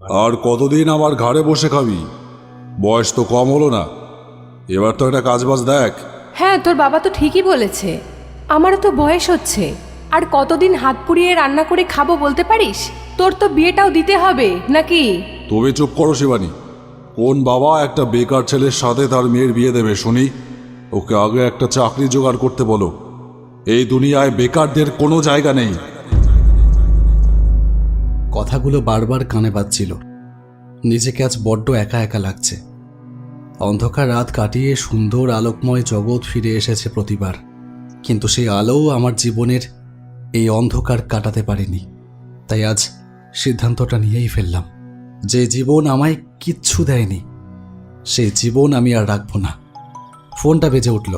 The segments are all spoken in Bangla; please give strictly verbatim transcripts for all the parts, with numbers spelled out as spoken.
আর কতদিন আমার ঘাড়ে বসে খাবি? বয়স তো কম হলো না, এবার তো একটা কাজবাজ দেখ। হ্যাঁ, তোর বাবা তো ঠিকই বলেছে, আমারও তো বয়স হচ্ছে। আর কতদিন হাত পুড়িয়ে রান্না করে খাবো বলতে পারিস? তোর তো বিয়েটাও দিতে হবে নাকি? তবে চুপ করো শিবানী। কোন বাবা একটা বেকার ছেলের সাথে তার মেয়ের বিয়ে দেবে শুনি? ওকে আগে একটা চাকরি জোগাড় করতে বলো। এই দুনিয়ায় বেকারদের কোনো জায়গা নেই। কথাগুলো বারবার কানে বাজছিল। নিজেকে আজ বড্ড একা একা লাগছে। অন্ধকার রাত কাটিয়ে সুন্দর আলোকময় জগৎ ফিরে এসেছে প্রতিবার, কিন্তু সেই আলোও আমার জীবনের এই অন্ধকার কাটাতে পারেনি। তাই আজ সিদ্ধান্তটা নিয়েই ফেললাম, যে জীবন আমায় কিচ্ছু দেয়নি সেই জীবন আমি আর রাখবো না। ফোনটা বেজে উঠল।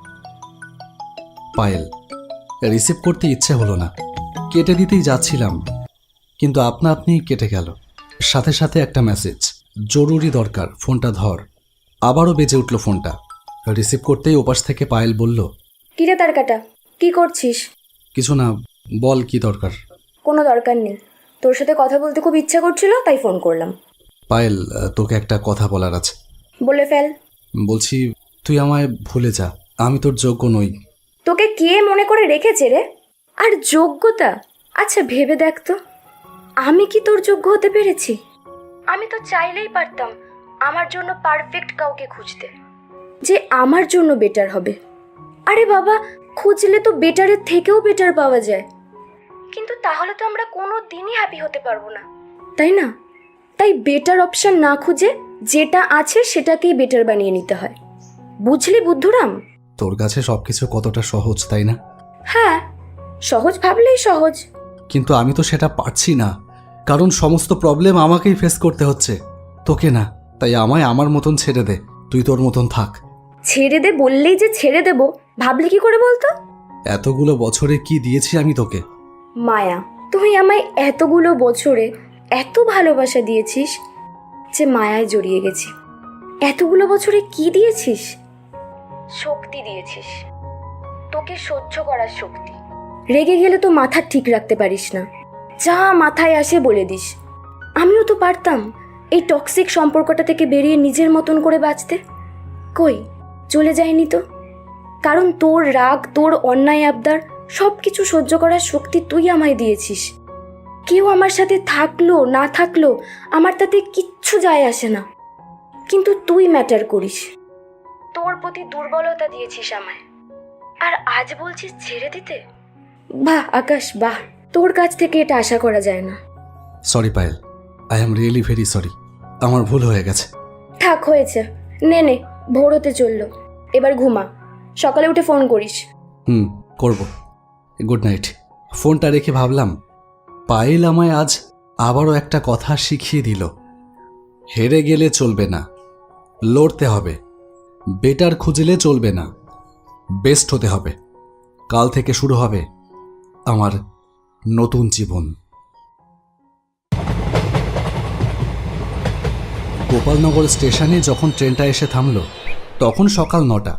পায়েল। রিসিভ করতে ইচ্ছে হলো না, কেটে দিতেই যাচ্ছিলাম, কিন্তু আপনা আপনি কেটে গেল। সাথে সাথে একটা মেসেজ, জরুরি দরকার, ফোনটা ধর। আবারও বেজে উঠল ফোনটা। রিসিভ করতেই ওপাশ থেকে পায়েল বলল, কিরে তার কাটা, কি করছিস? কিছু না, বল কি দরকার। কোনো দরকার নেই, তোর সাথে কথা বলতে খুব ইচ্ছা করছিল তাই ফোন করলাম। পায়েল, তোকে একটা কথা বলার আছে। বলে ফেল। বলছি, তুই আমায় ভুলে যা, আমি তোর যোগ্য নই। তোকে কে মনে করে রেখেছে রে? আর যোগ্যতা? আচ্ছা ভেবে দেখ তো, আমি কি তোর যোগ্য হতে পেরেছি? আমি তো চাইলেই পারতাম আমার জন্য পারফেক্ট কাউকে খুঁজতে, যে আমার জন্য বেটার হবে। আরে বাবা, খুঁজলে তো বেটারের থেকেও বেটার পাওয়া যায়, কিন্তু তাহলে তো আমরা কোনো দিনই হ্যাপি হতে পারবো না, তাই না? তাই বেটার অপশন না খুঁজে যেটা আছে সেটাকেই বেটার বানিয়ে নিতে হয়। বুঝলি বুদ্ধুরাম? তোর কাছে সবকিছু কতটা সহজ, তাই না? হ্যাঁ, সহজ ভাবলেই সহজ, কিন্তু আমি তো সেটা পারছি না, কারণ সমস্ত প্রবলেম আমাকেই ফেস করতে হচ্ছে, তোকে না। তাই আমায় আমার মতন ছেড়ে দে, তুই তোর মতন থাক। ছেড়ে দে বললেই যে ছেড়ে দেব ভাবলি কি করে বলতো? এতগুলো বছরে কি দিয়েছি আমি তোকে? মায়া। তুই আমায় এতগুলো বছরে এত ভালোবাসা দিয়েছিস যে মায়ায় জড়িয়ে গেছি। এতগুলো বছরে কি দিয়েছিস? শক্তি দিয়েছিস, তোকে সহ্য করার শক্তি। রেগে গেলে তো মাথা ঠিক রাখতে পারিস না, যা মাথায় আসে বলে দিস। আমিও তো পারতাম এই টক্সিক সম্পর্কটা থেকে বেরিয়ে নিজের মতন করে বাঁচতে, কই চলে যায়নি তো। কারণ তোর রাগ, তোর অন্যায় আবদার সব কিছু সহ্য করার শক্তি তুই আমায় দিয়েছিস। কেউ আমার সাথে থাকলো না থাকলো আমার তাতে কিচ্ছু যায় আসে না, কিন্তু তুই ম্যাটার করিস। তোর প্রতি দুর্বলতা দিয়েছিস আমায়, আর আজ বলছিস ছেড়ে দিতে? বাহ আকাশ, বাহ, তোর কাছ থেকে এটা আশা করা যায় না। Sorry Payel, I am really very sorry, আমার ভুল হয়ে গেছে। থাক, হয়েছে, নে নে, ভোর হতে চললো, এবার ঘুমা, সকালে উঠে ফোন করিস। হুম, করব। Good night. ফোনটা রেখে ভাবলাম, পায়েল আমায় আজ আবারও একটা কথা শিখিয়ে দিল। হেরে গেলে চলবে না, লড়তে হবে। বেটার খুঁজলে চলবে না, বেস্ট হতে হবে। কাল থেকে শুরু হবে আমার নতুন জীবন। গোপালনগর স্টেশনে যখন ট্রেনটা এসে থামল, তখন সকাল নটা।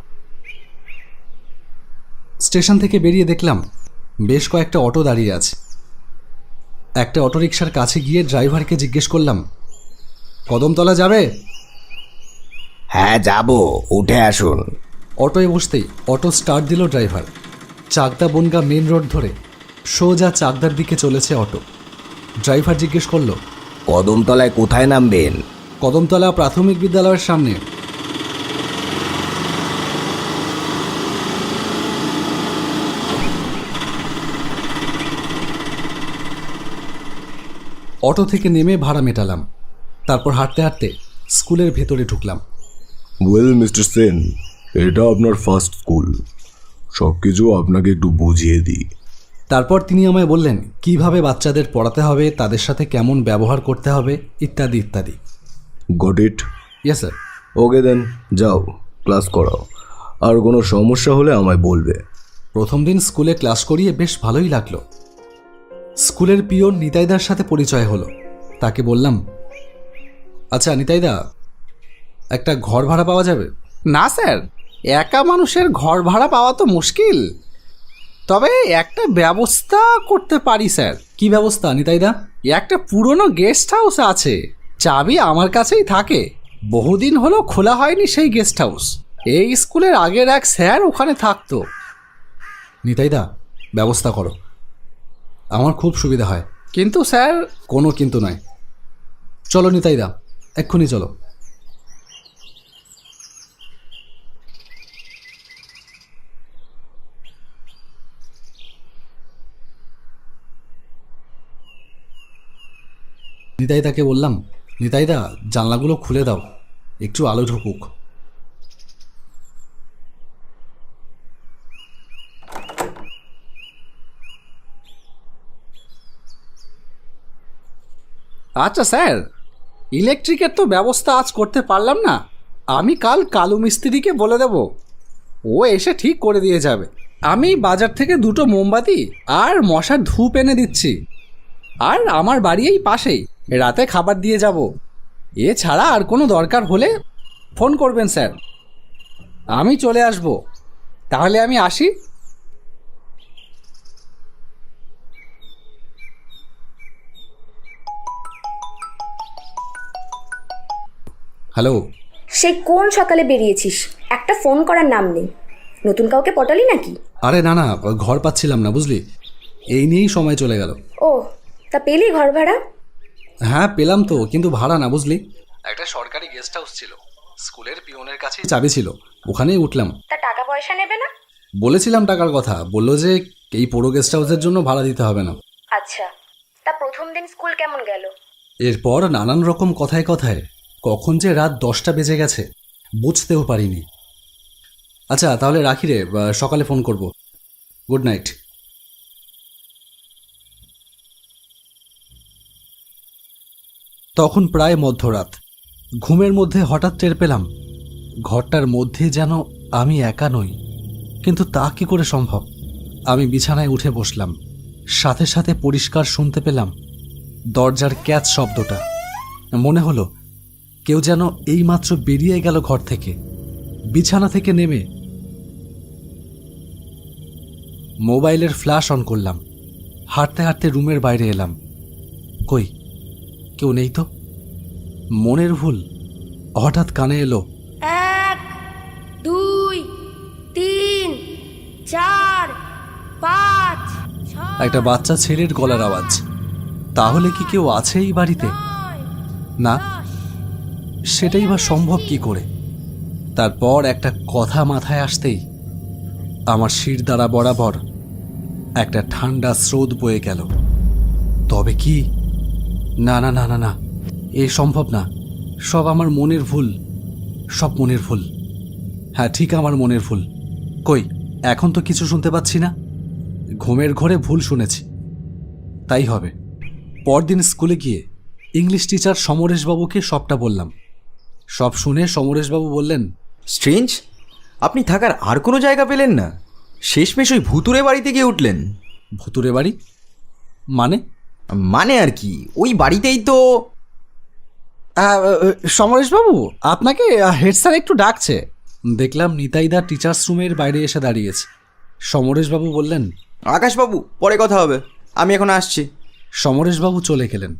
স্টেশন থেকে বেরিয়ে দেখলাম বেশ কয়েকটা অটো দাঁড়িয়ে আছে। একটা অটোরিকশার কাছে গিয়ে ড্রাইভারকে জিজ্ঞেস করলাম, কদমতলা যাবে? হ্যাঁ যাব, উঠে আসুন। অটোয় বসতেই অটো স্টার্ট দিল driver. Chakdah Bongaon main road ধরে সোজা চাকদার দিকে চলেছে অটো। ড্রাইভার জিজ্ঞেস করলো, কদমতলায় কোথায় নামবেন? কদমতলা প্রাথমিক বিদ্যালয়ের সামনে। অটো থেকে নেমে ভাড়া মেটালাম, তারপর হাঁটতে হাঁটতে স্কুলের ভেতরে ঢুকলাম। ওয়েল মিস্টার সেন, এটা আপনার ফার্স্ট স্কুল, সব কিছু আপনাকে একটু বুঝিয়ে দিই। তারপর তিনি আমায় বললেন কিভাবে বাচ্চাদের পড়াতে হবে, তাদের সাথে কেমন ব্যবহার করতে হবে, ইত্যাদি ইত্যাদি। Got it? Yes sir. Okay then, যাও ক্লাস করাও, আর কোনো সমস্যা হলে আমায় বলবে। প্রথম দিন স্কুলে ক্লাস করিয়ে বেশ ভালোই লাগলো। স্কুলের পিওন নিতাইদার সাথে পরিচয় হলো। তাকে বললাম, আচ্ছা নিতাইদা, একটা ঘর ভাড়া পাওয়া যাবে? না স্যার, একা মানুষের ঘর ভাড়া পাওয়া তো মুশকিল, তবে একটা ব্যবস্থা করতে পারি স্যার। কি ব্যবস্থা নিতাইদা? একটা পুরনো গেস্ট হাউস আছে, চাবি আমার কাছেই থাকে। বহুদিন হলো খোলা হয়নি সেই গেস্ট হাউস। এই স্কুলের আগের এক স্যার ওখানে থাকতো। নিতাইদা, ব্যবস্থা করো, আমার খুব সুবিধা হয়। কিন্তু স্যার, কোনো কিন্তু নয়। চলো নিতাইদা, এক্ষুনি চলো। নিতাইদাকে বললাম, নিতাইদা জানলাগুলো খুলে দাও, একটু আলো ঢুকুক। আচ্ছা স্যার, ইলেকট্রিকের তো ব্যবস্থা আজ করতে পারলাম না। আমি কাল কালু মিস্ত্রিকে বলে দেব, ও এসে ঠিক করে দিয়ে যাবে। আমি বাজার থেকে দুটো মোমবাতি আর মশার ধূপ এনে দিচ্ছি। আর আমার বাড়ি এই পাশেই, রাতে খাবার দিয়ে যাব। এছাড়া আর কোনো দরকার হলে ফোন করবেন স্যার, আমি চলে আসব। তাহলে আমি আসি। হ্যালো। সেই কোন সকালে বেরিয়েছিস, একটা ফোন করার নাম নেই। নতুন কাউকে পটালি নাকি? আরে না না, ঘর পাচ্ছিলাম না বুঝলি, এই নিয়েই সময় চলে গেল। ও, তা পেলি ঘর ভাড়া? হ্যাঁ পেলাম তো, কিন্তু ভাড়া না বুঝলি। একটা সরকারি গেস্ট হাউস ছিল, স্কুলের পিয়নের কাছে চাবি ছিল, ওখানেই উঠলাম। তা টাকা পয়সা নেবে না? বলেছিলাম টাকার কথা, বললো যে এই পুরো গেস্ট হাউসের জন্য ভাড়া দিতে হবে না। আচ্ছা, তা প্রথম দিন স্কুল কেমন গেল? এরপর নানান রকম কথায় কথায় কখন যে রাত দশটা বেজে গেছে বুঝতেও পারিনি। আচ্ছা তাহলে রাখি রে, সকালে ফোন করব। Good night. তখন প্রায় মধ্যরাত। ঘুমের মধ্যে হঠাৎ টের পেলাম ঘরটার মধ্যে যেন আমি একা নই। কিন্তু তা কি করে সম্ভব? আমি বিছানায় উঠে বসলাম, সাথে সাথে পরিষ্কার শুনতে পেলাম দরজার ক্যাচ শব্দটা। মনে হলো কেউ যেন এইমাত্র বেরিয়ে গেল ঘর থেকে। বিছানা থেকে নেমে মোবাইলের ফ্ল্যাশ অন করলাম, হাঁটতে হাঁটতে রুমের বাইরে এলাম। কই, কেউ নেই তো। মনের ভুল, হঠাৎ কানে এলো এক, দুই, তিন, চার, পাঁচ, একটা বাচ্চা ছেলের গলার আওয়াজ। তাহলে কি কেউ আছে এই বাড়িতে? না, সেটাই বা সম্ভব কি করে? তারপর একটা কথা মাথায় আসতেই আমার শির দ্বারা বরাবর একটা ঠান্ডা স্রোত বয়ে গেল। তবে কি? না না না না না, এ সম্ভব না। সব আমার মনের ভুল, সব মনের ভুল। হ্যাঁ ঠিক, আমার মনের ভুল। কই, এখন তো কিছু শুনতে পাচ্ছি না। ঘুমের ঘরে ভুল শুনেছি, তাই হবে। পরদিন স্কুলে গিয়ে ইংলিশ টিচার সমরেশবাবুকে সবটা বললাম। সব শুনে সমরেশবাবু বললেন, স্ট্রেঞ্জ, আপনি থাকার আর কোনো জায়গা পেলেন না? শেষমেশ ওই ভুতুরে বাড়িতে গিয়ে উঠলেন। ভুতুরে বাড়ি মানে? মানে আর কি, ওই বাড়িতেই তো। সমরেশবাবু, আপনাকে হেড স্যার একটু ডাকছে। দেখলাম নিতাইদা টিচার্স রুমের বাইরে এসে দাঁড়িয়েছে। সমরেশবাবু বললেন, আকাশবাবু, পরে কথা হবে, আমি এখন আসছি। সমরেশবাবু চলে গেলেন।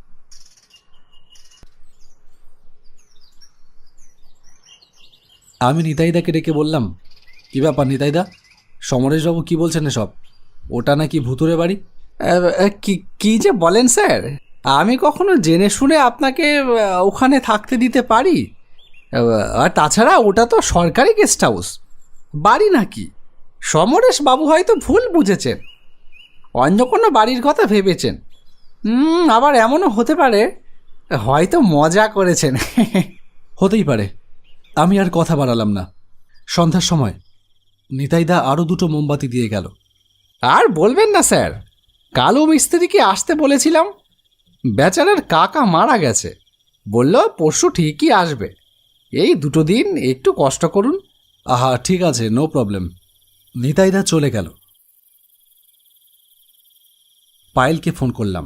আমি নিতাইদাকে ডেকে বললাম, কি ব্যাপার নিতাইদা, সমরেশবাবু কি বলছেন এসব? ওটা নাকি ভুতুরে বাড়ি। কি কি যে বলেন স্যার, আমি কখনো জেনে শুনে আপনাকে ওখানে থাকতে দিতে পারি? আর তাছাড়া ওটা তো সরকারি গেস্ট হাউস, বাড়ি নাকি। সমরেশবাবু হয়তো ভুল বুঝেছেন, অন্য কোনো বাড়ির কথা ভেবেছেন। হুম, আবার এমনও হতে পারে হয়তো মজা করেছেন। হতেই পারে। আমি আর কথা বাড়ালাম না। সন্ধ্যার সময় নিতাইদা আরও দুটো মোমবাতি দিয়ে গেল। আর বলবেন না স্যার, কালু মিস্ত্রিকে আসতে বলেছিলাম, বেচারার কাকা মারা গেছে। বলল পরশু ঠিকই আসবে, এই দুটো দিন একটু কষ্ট করুন। আহা ঠিক আছে, নো প্রবলেম। নিতাইদা চলে গেল। পায়েলকে ফোন করলাম।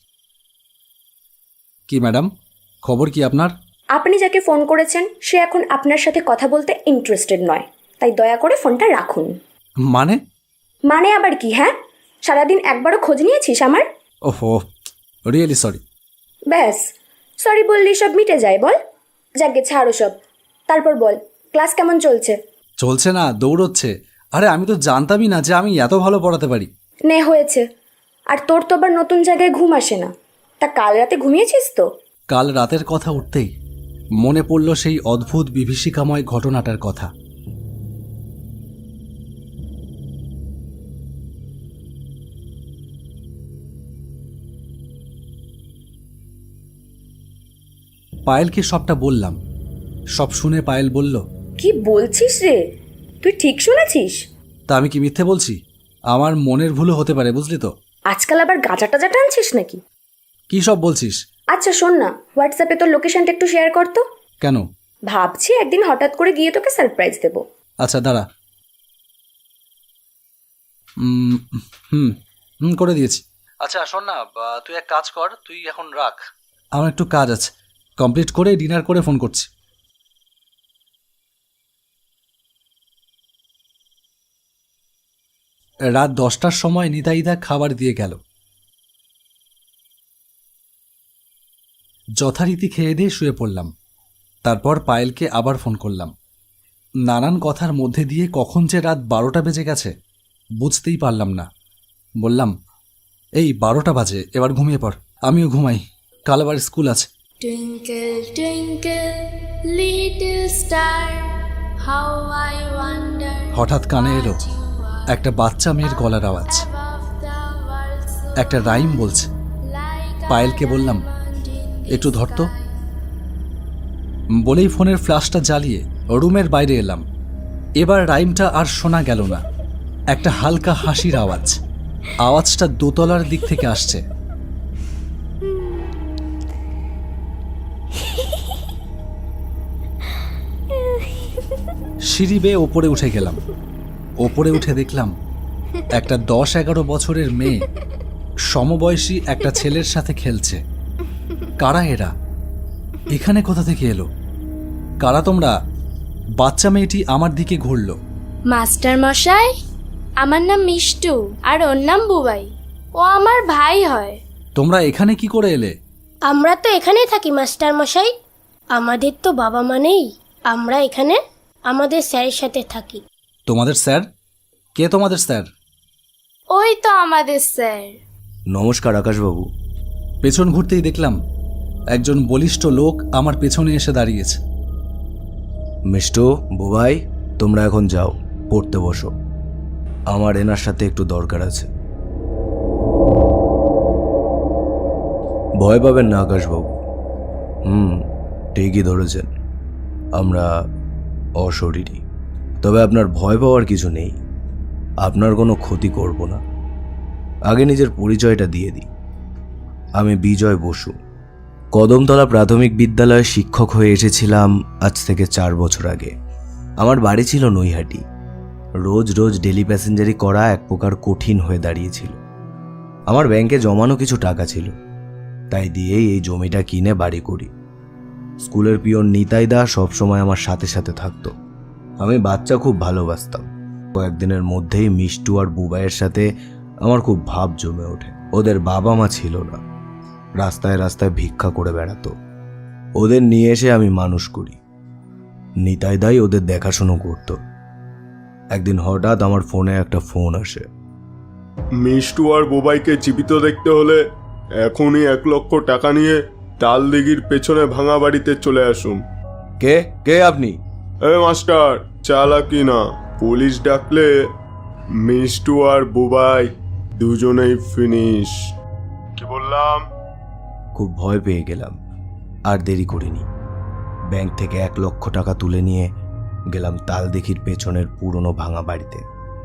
কি ম্যাডাম, খবর কি আপনার? আপনি যাকে ফোন করেছেন সে এখন আপনার সাথে কথা বলতে ইন্টারেস্টেড নয়, তাই দয়া করে ফোনটা রাখুন। মানে? মানে আবার কি? হ্যাঁ, সারাদিন একবারও খোঁজ নিয়েছিস আমার? ওহো, রিয়েলি সরি। ব্যাস, সরি বললেই সব মিটে যায় বল। যাকে ছাড়ো সব, তারপর বল ক্লাস কেমন চলছে? চলছে না, দৌড়চ্ছে। আরে আমি তো জানতামই না যে আমি এত ভালো পড়াতে পারি। নে হয়েছে। আর তোর তো আবার নতুন জায়গায় ঘুম আসে না। তা কাল রাতে ঘুমিয়েছিস তো? কাল রাতের কথা উঠতেই মনে পড়ল সেই অদ্ভুত বিভীষিকাময় ঘটনাটার কথা। পায়েলকে সবটা বললাম। সব শুনে পায়েল বলল, কি বলছিস রে? তুই ঠিক শুনেছিস? তা আমি কি মিথ্যে বলছি? আমার মনের ভুলও হতে পারে, বুঝলি তো। আজকাল আবার গাঁজা টাজা টানছিস নাকি? কি সব বলছিস? আচ্ছা শোন না, হোয়াটসঅ্যাপে তোর লোকেশনটা একটু শেয়ার কর তো। কেন? ভাবছি একদিন হঠাৎ করে গিয়ে তোকে সারপ্রাইজ দেবো। আচ্ছা দাঁড়া। উম, হুম হুম করে দিয়েছি। আচ্ছা শোন না, বা, তুই এক কাজ কর, তুই এখন রাখ, আমার একটু কাজ আছে, কমপ্লিট করে ডিনার করে ফোন করছি। রাত দশটার সময় নিতাইদা খাবার দিয়ে গেল। যথারীতি খেয়ে দিয়ে শুয়ে পড়লাম। তারপর পায়েলকে আবার ফোন করলাম। নানান কথার মধ্যে দিয়ে কখন যে রাত বারোটা বেজে গেছে বুঝতেই পারলাম না। বললাম, এই বারোটা বাজে, এবার ঘুমিয়ে পড়, আমিও ঘুমাই, কাল আবার স্কুল আছে। Twinkle, twinkle, little star, how I wonder হঠাৎ কানে এলো একটা বাচ্চা মেয়ের গলার আওয়াজ। above the world so একটা রাইম বলছে। like পায়েলকে বললাম, একটু ধর তো। বলেই ফোনের ফ্ল্যাশটা জ্বালিয়ে রুমের বাইরে এলাম। এবার রাইমটা আর শোনা গেল না। একটা হালকা হাসির আওয়াজ। আওয়াজটা দোতলার দিক থেকে আসছে। সিঁড়ি বেয়ে ওপরে উঠে গেলাম। ওপরে উঠে দেখলাম একটা দশ এগারো বছরের মেয়ে সমবয়সী একটা ছেলের সাথে খেলছে। কারা এরা? এখানে কোথা থেকে এলো? কারা তোমরা? বাচ্চা মেয়েটি আমার দিকে ঘুরল। মাস্টার মশাই, আমার নাম মিষ্টু আর ওর নাম বুবাই। ও আমার ভাই হয়। তোমরা এখানে কি করে এলে? আমরা তো এখানেই থাকি মাস্টার মশাই। আমাদের তো বাবা মা নেই, আমরা এখানে আমাদের স্যারের সাথে থাকি। তোমাদের স্যার? কে তোমাদের স্যার? ওই তো আমাদের স্যার। নমস্কার আকাশবাবু। পেছন ঘুরতেই দেখলাম একজন বলিষ্ঠ লোক আমার পেছনে এসে দাঁড়িয়েছে। মিষ্টু, বুবাই, তোমরা এখন যাও, পড়তে বসো। আমার এনার সাথে একটু দরকার আছে। ভয় পাবেন না আকাশবাবু। হুম, ঠিকই ধরেছেন, আমরা অশরীরী। তবে আপনার ভয় পাওয়ার কিছু নেই, আপনার কোনো ক্ষতি করব না। আগে নিজের পরিচয়টা দিয়ে দিই। আমি বিজয় বসু, কদমতলা প্রাথমিক বিদ্যালয়ে শিক্ষক হয়ে এসেছিলাম আজ থেকে চার বছর আগে। আমার বাড়ি ছিল নৈহাটি। রোজ রোজ ডেলি প্যাসেঞ্জারি করা এক প্রকার কঠিন হয়ে দাঁড়িয়েছিল। আমার ব্যাংকে জমানো কিছু টাকা ছিল, তাই দিয়েই এই জমিটা কিনে বাড়ি করি। স্কুলের পিয়ন নিতাইদা সবসময় আমার সাথে সাথে থাকতো। আমি বাচ্চা খুব ভালোবাসতাম। কয়েকদিনের মধ্যেই মিষ্টু আর বুবাইয়ের সাথে আমার খুব ভাব জমে ওঠে। ওদের বাবা মা ছিল না, রাস্তায় রাস্তায় ভিক্ষা করে বেড়াতো। ওদের নিয়ে এসে আমি মানুষ করি। নিতাইদাই ওদের দেখাশুনো করত। একদিন হঠাৎ আমার ফোনে একটা ফোন আসে। মিষ্টু আর বুবাইকে জীবিত দেখতে হলে এখনই এক লক্ষ টাকা নিয়ে তালদিঘির পেছনে ভাঙা বাড়িতে চলে আসুন। কে কে আপনি? এ মাস্টার, চালাকি না, পুলিশ ডাকলে মিষ্টু আর বুবাই দুজনেই ফিনিশ। কি বললাম? খুব ভয় পেয়ে গেলাম, আর দেরি করিনি। ব্যাংক থেকে এক লক্ষ টাকা তুলে নিয়ে গেলাম তালদিঘির পেছনের পুরনো ভাঙা বাড়িতে।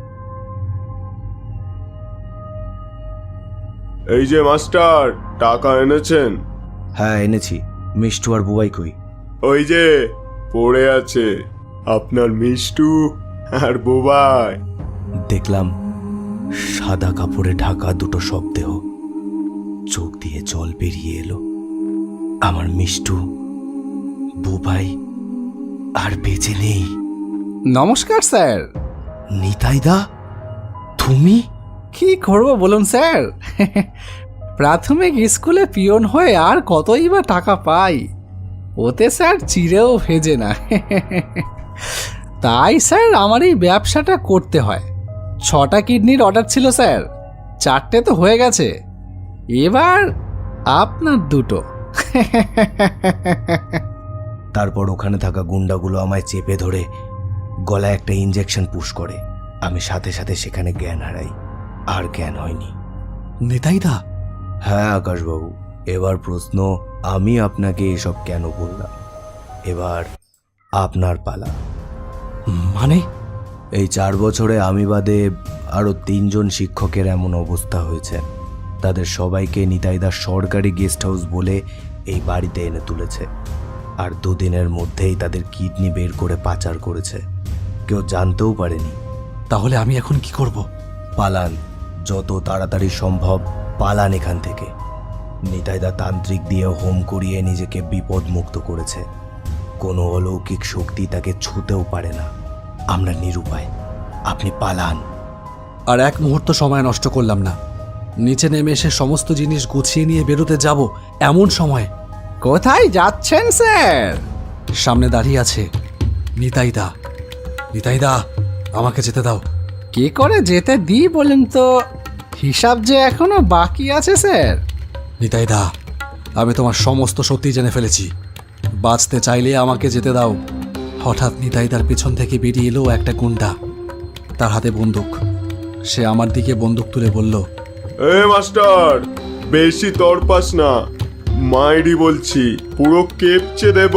এই যে মাস্টার, টাকা এনেছেন? হ্যাঁ এনেছি। মিষ্টু আর বুবাই কই? ওই যে পড়ে আছে আপনার মিষ্টু আর বুবাই। দেখলাম সাদা কাপড়ে ঢাকা দুটো শবদেহ। চোখ দিয়ে জল বেরিয়ে এলো। আমার মিষ্টু, বুবাই আর বেঁচে নেই। নমস্কার স্যার। নিতাইদা, তুমি? কি করবো বলুন স্যার, প্রাথমিক স্কুলে পিয়ন হয়ে আর কতই বা টাকা পাই, ওতে স্যার চিড়েও ভেজে না। তাই স্যার আমার এই ব্যবসাটা করতে হয়। ছটা কিডনির অর্ডার ছিল স্যার, চারটে তো হয়ে গেছে, এবার আপনার দুটো। তারপর ওখানে থাকা গুন্ডাগুলো আমায় চেপে ধরে গলায় একটা ইঞ্জেকশন পুশ করে। আমি সাথে সাথে সেখানে জ্ঞান হারাই, আর জ্ঞান হয়নি। নিতাইদা, হ্যাঁ আকাশবাবু, এবার প্রশ্ন, আমি আপনাকে এসব কেন বললাম? এবার আপনার পালা। মানে? এই চার বছরে আমি বাদে আরও তিনজন শিক্ষকের এমন অবস্থা হয়েছে। তাদের সবাইকে নিতাইদার সরকারি গেস্ট হাউস বলে এই বাড়িতে এনে তুলেছে, আর দুদিনের মধ্যেই তাদের কিডনি বের করে পাচার করেছে। কেউ জানতেও পারেনি। তাহলে আমি এখন কি করব? পালান, যত তাড়াতাড়ি সম্ভব পালান এখান থেকে। নিতাইদা তান্ত্রিক দিয়ে হোম করিয়ে নিজেকে বিপদ মুক্ত করেছে। কোনো অলৌকিক শক্তি তাকে ছুঁতেও পারে না। আমরা নিরুপায়, আপনি পালান। আর এক মুহূর্ত সময় নষ্ট করলাম না। নিচে নেমে এসে সমস্ত জিনিস গুছিয়ে নিয়ে বেরোতে যাব এমন সময় কোথায় যাচ্ছেন স্যার? সামনে দাঁড়িয়ে আছে নিতাইদা। নিতাইদা, আমাকে যেতে দাও। কি করে যেতে দিই বলেন তো? হিসাব যে এখনো বাকি আছে স্যার। নিতাইদা, আমি তোমার সমস্ত সত্যি জেনে ফেলেছি। বাঁচতে চাইলে আমাকে যেতে দাও। হঠাৎ নিতাইদার পেছন থেকে বেরিয়ে এলো একটা গুন্ডা, তার হাতে বন্দুক। সে আমার দিকে বন্দুক তুলে বলল, এ মাস্টার, বেশি তরপাস না, মাইরি বলছি, পুরো কেপচে দেব।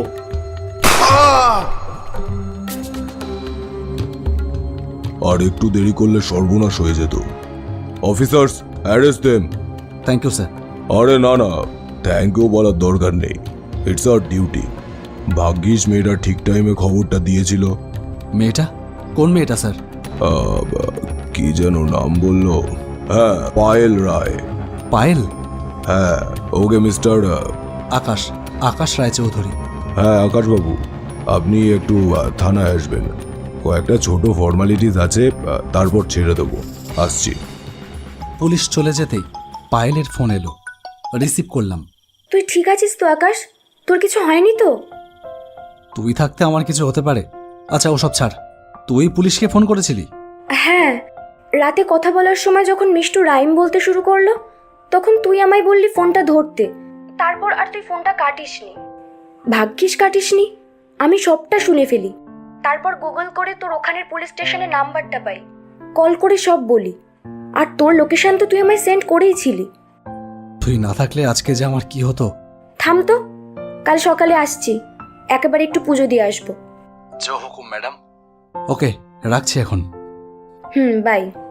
আর একটু দেরি করলে সর্বনাশ হয়ে যেত। Officers, arrest them. Thank you sir. আরে না না, থ্যাংক ইউ বলার দরকার নেই, ইটস আওয়ার ডিউটি। ভাগ্যিস মেয়েটা ঠিক টাইমে খবরটা দিয়েছিল। মেয়েটা? কোন মেয়েটা স্যার? আহ, কি যেন নাম বললো? হ্যাঁ, পায়েল রায়। পায়েল? হ্যাঁ, ওকে মিস্টার আকাশ, আকাশ রায় চৌধুরী। হ্যাঁ আকাশবাবু, আপনি একটু আহ, থানায় আসবেন। কয়েকটা ছোট ফর্মালিটিস আছে, আহ, তারপর ছেড়ে দেবো। আসছি। পুলিশ চলে যেতেই পায়েলের ফোন এলো, রিসিভ করলাম। তুই ঠিক আছিস তো আকাশ? তোর কিছু হয়নি তো? তুই থাকতে আমার কিছু হতে পারে? আচ্ছা ওসব ছাড়, তুই পুলিশকে ফোন করেছিলি? হ্যাঁ, রাতে কথা বলার সময় যখন মিষ্টু রাইম বলতে শুরু করলো, তখন তুই আমায় বললি ফোনটা ধরতে। তারপর আর তুই ফোনটা কাটিসনি। ভাগ্যিস কাটিসনি, আমি সবটা শুনে ফেলি। তারপর গুগল করে তোর ওখানের পুলিশ স্টেশনের নাম্বারটা পাই, কল করে সব বলি। আর তোর লোকেশন তো তুই আমায় সেন্ড করেইছিলি। তুই না থাকলে আজকে যে আমার কি হতো। থাম তো, কাল সকালে আসছি, একেবারে একটু পুজো দিয়ে আসবো। জো হুকুম ম্যাডাম। ওকে, রাখছি এখন। হুম, বাই।